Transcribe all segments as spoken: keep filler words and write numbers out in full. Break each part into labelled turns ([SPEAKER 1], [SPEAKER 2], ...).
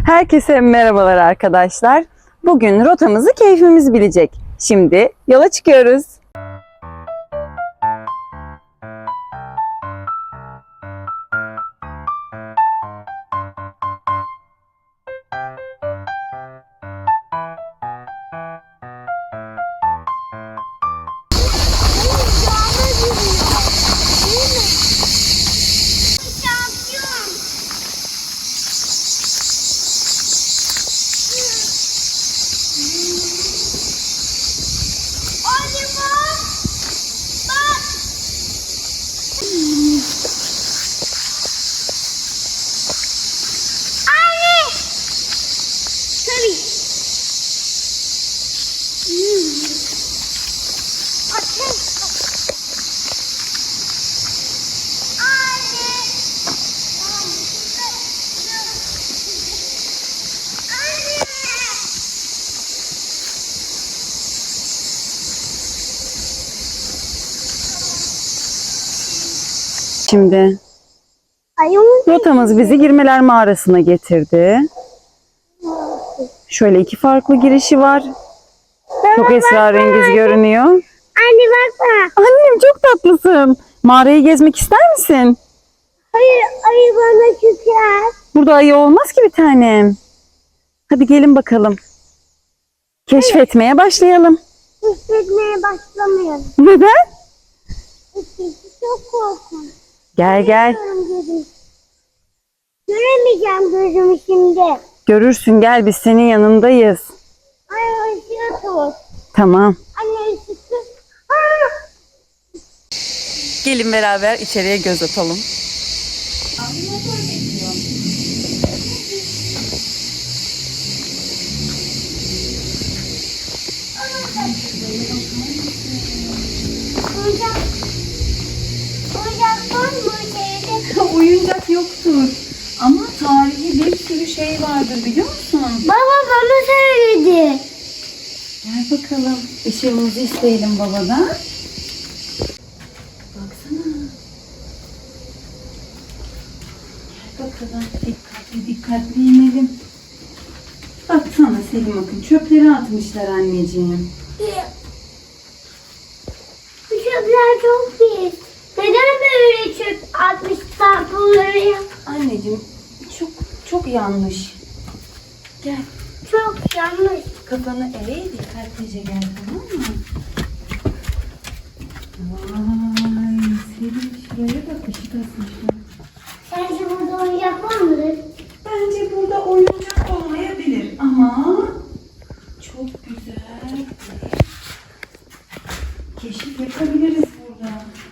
[SPEAKER 1] Herkese merhabalar arkadaşlar. Bugün rotamızı keyfimiz bilecek. Şimdi yola çıkıyoruz. Şimdi rotamız bizi Girmeler Mağarası'na getirdi. Şöyle iki farklı girişi var. Çok esrarengiz görünüyor.
[SPEAKER 2] Anne bakma.
[SPEAKER 1] Annem çok tatlısın. Mağarayı gezmek ister misin?
[SPEAKER 2] Hayır, ayı bana çıkar.
[SPEAKER 1] Burada ayı olmaz ki bir tanem. Hadi gelin bakalım. Keşfetmeye başlayalım.
[SPEAKER 2] Hissetmeye başlamıyorum.
[SPEAKER 1] Neden?
[SPEAKER 2] Hissetmesi çok korkunç.
[SPEAKER 1] Gel gel.
[SPEAKER 2] Göremeyeceğim gözümü şimdi.
[SPEAKER 1] Görürsün, gel, biz senin yanındayız.
[SPEAKER 2] Ay ışığı tut.
[SPEAKER 1] Tamam.
[SPEAKER 2] Anne ışığı tut.
[SPEAKER 1] Gelin beraber içeriye göz atalım.
[SPEAKER 2] Oyuncak. Oyuncak var mı içeride?
[SPEAKER 1] Oyuncak yoktur. Ama tarihi bir sürü şey vardır, biliyor musun?
[SPEAKER 2] Baba bana söyledi.
[SPEAKER 1] Gel bakalım. Işığımızı isteyelim babadan. Baksana. Gel bakalım. Dikkatli dikkatli inelim. Baksana Selim, bakın çöpleri atmışlar anneciğim.
[SPEAKER 2] Bu çöpler çok pis. Neden böyle çöp atmışlar buraya?
[SPEAKER 1] Anneciğim çok çok yanlış. Gel.
[SPEAKER 2] Çok yanlış.
[SPEAKER 1] Kafanı eğ, dikkatlice gel, tamam mı? Vay Selim, şuraya bak, ışık asmışlar.
[SPEAKER 2] Sence burada oyuncak var mıdır?
[SPEAKER 1] Bence burada oyuncak olmayabilir ama çok güzel bir keşif yapabiliriz burada.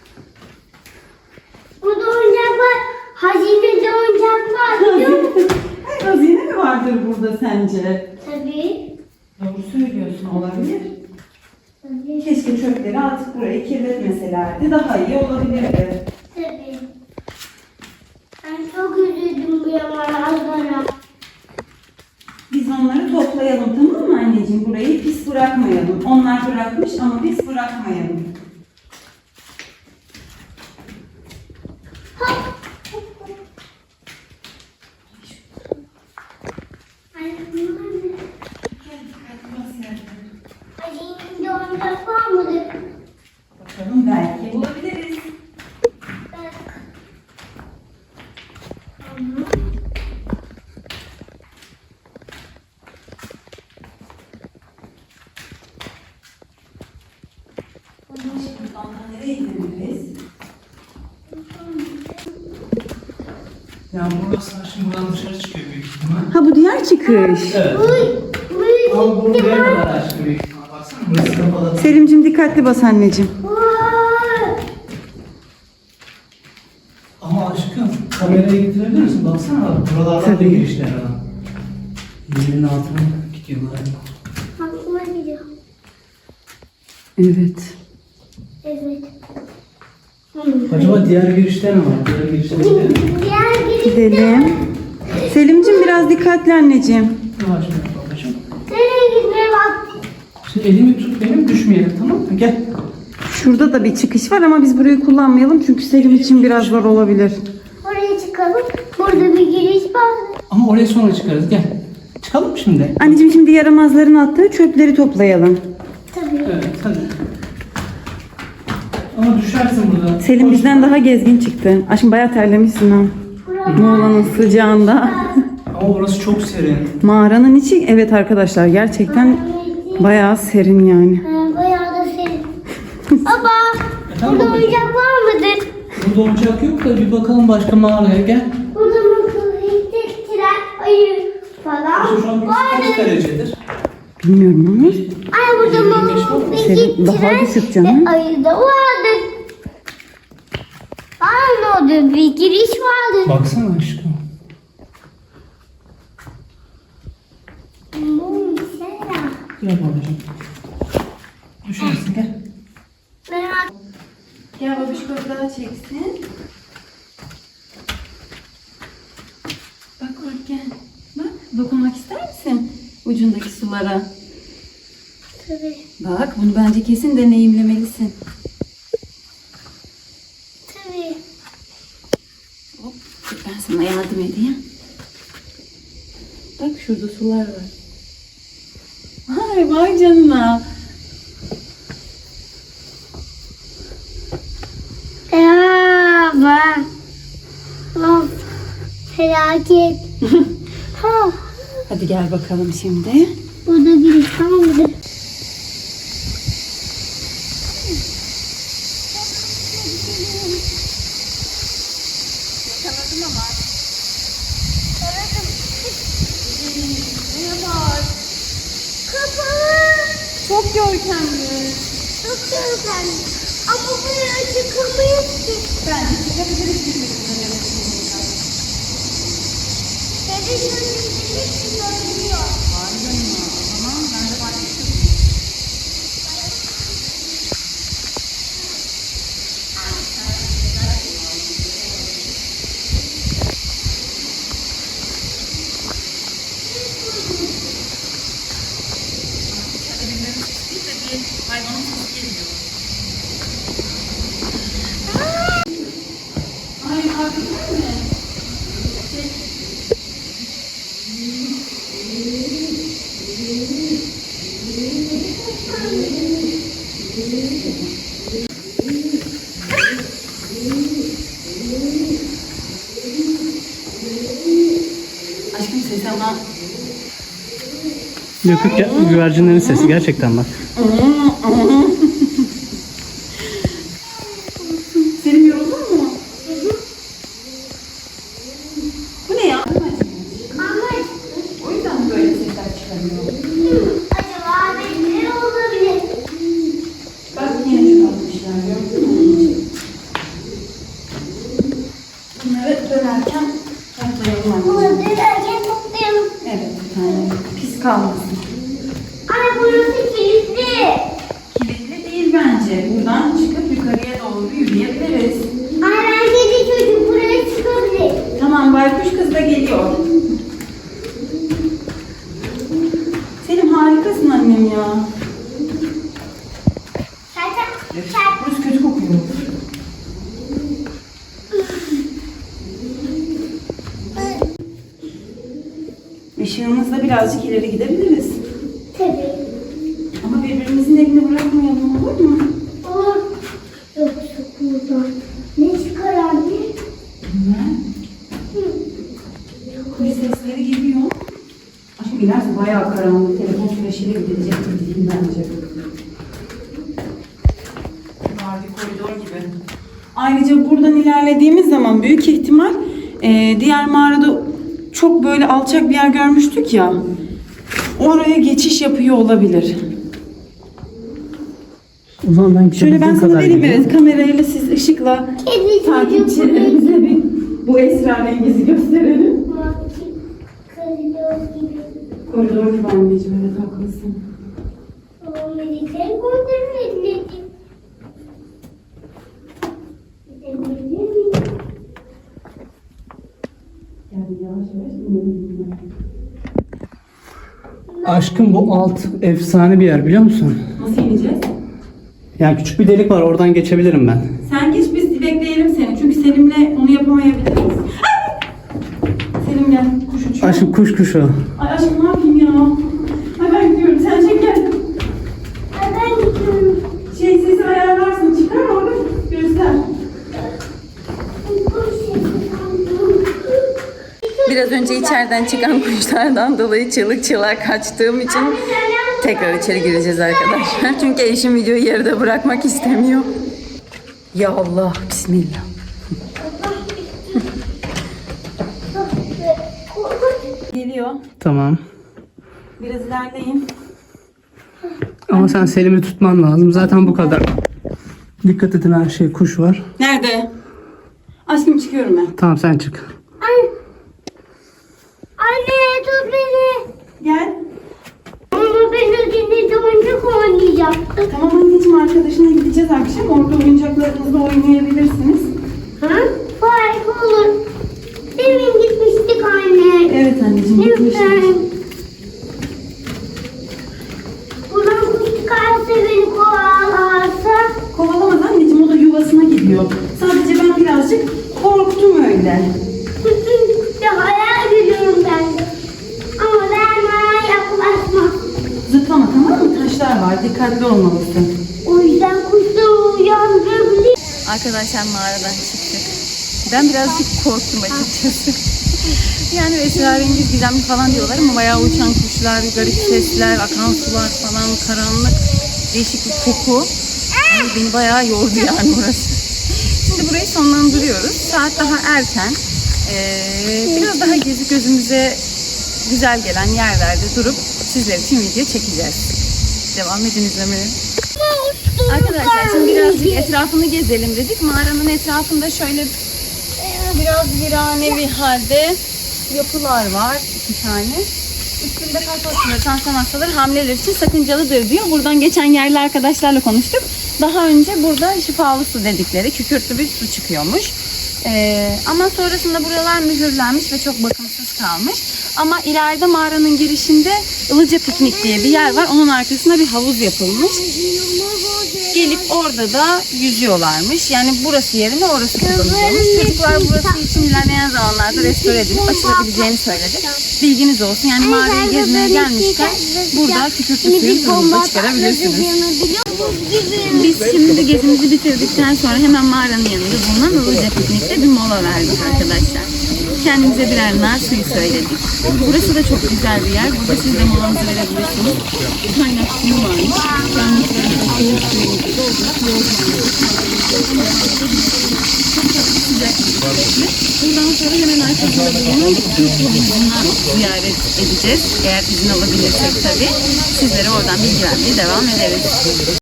[SPEAKER 2] Burada oyuncak var. Hazinede oyuncak var biliyor musun?
[SPEAKER 1] Hazine mi vardır burada sence?
[SPEAKER 2] Tabii.
[SPEAKER 1] Doğru söylüyorsun, olabilir.
[SPEAKER 2] Tabii.
[SPEAKER 1] Keşke çöpleri atıp burayı kirletmeselerdi, daha iyi olabilirdi.
[SPEAKER 2] Tabii. Ben çok üzüldüm bu yamanazlara.
[SPEAKER 1] Biz onları toplayalım, tamam mı anneciğim? Burayı pis bırakmayalım. Onlar bırakmış ama biz bırakmayalım.
[SPEAKER 2] Ay, bunlar ne?
[SPEAKER 1] Gel dikkatli bas yerlere.
[SPEAKER 2] Hazinede oyuncak var mıdır?
[SPEAKER 1] Bakalım, belki bulabiliriz.
[SPEAKER 2] Bak. Ama
[SPEAKER 1] Şimdi ondan nereye gidebiliriz?
[SPEAKER 3] Yani burası şimdi buradan dışarı çıkıyor büyük ihtimal.
[SPEAKER 1] Ha, bu diğer çıkış.
[SPEAKER 3] Evet.
[SPEAKER 2] bu, bu
[SPEAKER 3] Ama bunu buraya kadar açtı büyük ihtimal. Baksana burası kapalı.
[SPEAKER 1] Selim'cim dikkatli bas anneciğim.
[SPEAKER 2] Vay!
[SPEAKER 3] Ama aşkım kamerayı getirebilir misin? Baksana bak buralardan da
[SPEAKER 1] Tabii.
[SPEAKER 3] girişler adam. Yerin altına gidiyorlar.
[SPEAKER 2] Aklıma gidiyor.
[SPEAKER 1] Evet.
[SPEAKER 2] Evet.
[SPEAKER 3] Acaba diğer girişler mi var? Diğer girişler gidelim mi?
[SPEAKER 2] Diğer girişte
[SPEAKER 1] Gidelim. Selim'cim biraz dikkatli anneciğim.
[SPEAKER 3] Yavaş yavaş babacığım.
[SPEAKER 2] nereye gitmeye bak.
[SPEAKER 3] Şimdi elimi tut benim, düşmeyelim, tamam mı? Gel.
[SPEAKER 1] Şurada da bir çıkış var ama biz burayı kullanmayalım çünkü Selim için biraz zor olabilir.
[SPEAKER 2] Oraya çıkalım. Burada bir giriş var.
[SPEAKER 3] Ama oraya sonra çıkarız. Gel. Çıkalım mı şimdi?
[SPEAKER 1] Anneciğim şimdi yaramazların attığı çöpleri toplayalım.
[SPEAKER 2] Tabii.
[SPEAKER 3] Evet hadi. Ama düşersin burada.
[SPEAKER 1] Selim bizden daha gezgin çıktı. Aşkım bayağı terlemişsin ha. Muğla'nın sıcağında.
[SPEAKER 3] Ama orası çok serin.
[SPEAKER 1] Mağaranın içi evet arkadaşlar gerçekten bayağı serin yani.
[SPEAKER 2] Ha, bayağı da serin. Baba,
[SPEAKER 3] Efendim
[SPEAKER 2] burada
[SPEAKER 3] babacığım?
[SPEAKER 2] oyuncak var mıdır?
[SPEAKER 3] Burada oyuncak yok da bir bakalım başka mağaraya gel.
[SPEAKER 2] Burada mutlu, hissettiren, ayı falan
[SPEAKER 3] Şu an burası
[SPEAKER 2] vardır.
[SPEAKER 3] kaç derecedir?
[SPEAKER 1] Bilmiyorum ama.
[SPEAKER 2] Ay burada mutlu,
[SPEAKER 1] Serin, daha düşük canım.
[SPEAKER 2] ve ayı da vardır. Ay ne oldu? Bir giriş vardır.
[SPEAKER 3] Baksana aşkım.
[SPEAKER 2] Bu mesela.
[SPEAKER 3] Gel babacığım. Düşersin gel.
[SPEAKER 2] Merak.
[SPEAKER 1] Gel babişko daha çeksin. Bak bak gel. Bak dokunmak ister misin ucundaki sulara?
[SPEAKER 2] Tabii.
[SPEAKER 1] Bak bunu bence kesin deneyimlemelisin.
[SPEAKER 2] Tabii.
[SPEAKER 1] Hop dur ben sana yardım edeyim. Bak şurada sular var. Ay vay canına.
[SPEAKER 2] Ya bak. Of. Felaket. Ha.
[SPEAKER 1] Hadi gel bakalım şimdi.
[SPEAKER 2] Burada giriş var mıdır?
[SPEAKER 1] Çok görkemli.
[SPEAKER 2] Çok görkemli. Ama buraya çıkamayız ki.
[SPEAKER 1] Bence çıkabiliriz gibi.
[SPEAKER 2] Televizyonun hepsi görünüyor.
[SPEAKER 1] Ay hakikaten mi? Aşkım ses ama
[SPEAKER 3] Yok yok ya, güvercinlerin sesi gerçekten bak.
[SPEAKER 1] Selim yoruldun mu? Bu ne ya?
[SPEAKER 2] Ama
[SPEAKER 1] O yüzden mi böyle sesler çıkarıyor?
[SPEAKER 2] acaba ne olabilir?
[SPEAKER 1] Bak yine çıkartmışlar gördün mü? Bunları dönerken toplayalım
[SPEAKER 2] Burada
[SPEAKER 1] anneciğim.
[SPEAKER 2] derken toplayalım.
[SPEAKER 1] Evet bir tane pis kalmasın.
[SPEAKER 2] Ay burası kilitli.
[SPEAKER 1] Kilitli değil bence. Buradan çıkıp yukarıya doğru yürüyebiliriz.
[SPEAKER 2] Ay bence de çocuk buraya çıkabilir.
[SPEAKER 1] Tamam baykuş kız da geliyor. Selim harikasın annem ya.
[SPEAKER 2] Zaten
[SPEAKER 1] Evet,
[SPEAKER 2] sen
[SPEAKER 1] burası kötü kokuyor. Işığımızla birazcık ileri gidebiliriz.
[SPEAKER 2] tabii.
[SPEAKER 1] Ama birbirimizin elini bırakmayalım olur mu?
[SPEAKER 2] Olur. Yoksa buradan ne çıkar anne?
[SPEAKER 1] Bilmem. Kuş sesleri geliyor. Aşkım ilerse bayağı karanlık. Telefon flaşıyla gidecek gibi değil bence. Var bir koridor gibi. Ayrıca buradan ilerlediğimiz zaman büyük ihtimal e, diğer mağarada çok böyle alçak bir yer görmüştük ya. Oraya geçiş yapıyor olabilir.
[SPEAKER 3] O zaman ben
[SPEAKER 1] Şöyle ben sana vereyim evet kamerayla siz ışıkla
[SPEAKER 2] Kedi çocuk buraya
[SPEAKER 1] takipçilerimize bir bu esrarengizi gösterelim.
[SPEAKER 2] Bak, koridor gibi.
[SPEAKER 1] Koridor gibi anneciğim evet haklısın.
[SPEAKER 2] O medikal koridor ediledim. Gidebilir miyim?
[SPEAKER 1] Yani yavaş yavaş inelim.
[SPEAKER 3] Aşkım bu alt efsane bir yer biliyor musun?
[SPEAKER 1] Nasıl ineceğiz?
[SPEAKER 3] Yani küçük bir delik var, oradan geçebilirim ben.
[SPEAKER 1] Sen geç biz bekleyelim seni çünkü Selim'le onu yapamayabiliriz. Selim gel kuş uçuyor.
[SPEAKER 3] Aşkım kuş kuşu.
[SPEAKER 1] Ay aşkım ne yapayım ya? Ay ben gidiyorum. Sen çek gel.
[SPEAKER 2] Ay ben gidiyorum.
[SPEAKER 1] Şey sesi ayarlarsın. Çıkar orada göster. Biraz önce içeriden çıkan kuşlardan dolayı çığlık çığlığa kaçtığım için tekrar içeri gireceğiz arkadaşlar. Çünkü eşim videoyu yarıda bırakmak istemiyor. Ya Allah, bismillah. Geliyor.
[SPEAKER 3] Tamam.
[SPEAKER 1] Biraz ilerleyin.
[SPEAKER 3] Ama sen Selim'i tutman lazım. Zaten bu kadar. Dikkat edin, her şey kuş var.
[SPEAKER 1] Nerede? Aşkım çıkıyorum ben.
[SPEAKER 3] Tamam sen çık.
[SPEAKER 2] Anne. Anne tut beni.
[SPEAKER 1] Gel.
[SPEAKER 2] Ama ben ödünde oyuncak oynayacaktım.
[SPEAKER 1] Tamam anneciğim, arkadaşına gideceğiz akşam. Orada oyuncaklarınızla oynayabilirsiniz.
[SPEAKER 2] Ha? Harika olur. Demin gitmiştik anne.
[SPEAKER 1] Evet anneciğim, gitmiştik.
[SPEAKER 2] Lütfen. Buradan kuş çıkarsa beni kovalarsa.
[SPEAKER 1] Kovalamaz anneciğim, o da yuvasına gidiyor. Sadece ben birazcık korktum öyle.
[SPEAKER 2] Ya hayal görüyorum ben de. Ama ben bana yaklaşmam.
[SPEAKER 1] Zıplama, tamam mı? Taşlar var, dikkatli olmalısın.
[SPEAKER 2] O yüzden kuşları uyandırabilir.
[SPEAKER 1] Arkadaşlar mağaradan çıktık. Ben birazcık korktum açıkçası. Yani esrarengiz, gizemli falan diyorlar ama bayağı uçan kuşlar, garip sesler, akan sular falan, karanlık, değişik bir koku. Yani beni bayağı yordu yani burası. Şimdi burayı sonlandırıyoruz. Saat daha erken. Ee, biraz daha gezip gözümüze güzel gelen yerlerde durup sizler için video çekeceğiz. Devam edin izlemeye. Arkadaşlar şimdi birazcık etrafını gezelim dedik. Mağaranın etrafında şöyle e, biraz virane bir halde yapılar var. iki tane. Üstünde kalp hastaları, tansiyon hastaları, hamileler için sakıncalıdır diyor. Buradan geçen yerli arkadaşlarla konuştuk. Daha önce burada şifalı su dedikleri kükürtlü bir su çıkıyormuş. Ee, ama sonrasında buralar mühürlenmiş ve çok bakımsız kalmış. Ama ileride mağaranın girişinde Ilıca Piknik diye bir yer var. Onun arkasında bir havuz yapılmış. Gelip orada da yüzüyorlarmış. Yani burası yerine orası kullanılıyormuş. Çocuklar burası için ilerleyen zamanlarda restore edilip açılabileceğini söyledi. Bilginiz olsun. Yani mağarayı gezmeye gelmişken burada kükürtlü suyu suyunuza çıkarabilirsiniz. Biz şimdi gezimizi bitirdikten sonra hemen mağaranın yanında bulunan Ilıca Piknik'te bir mola verdik arkadaşlar. Kendimize birer nar suyu söyledik. Burası da çok güzel bir yer. Burada siz de molanızı verebilirsiniz. Kaynak suyu varmış. Yanlıklarında soğuk suyunuzu doldurup yolculuğunuzu sıcak sürekli. Buradan sonra hemen arkasında bulunan Türk havuzuna ziyaret edeceğiz. Eğer izin alabilirsek tabii. Sizlere oradan bilgi vermeye devam ederiz.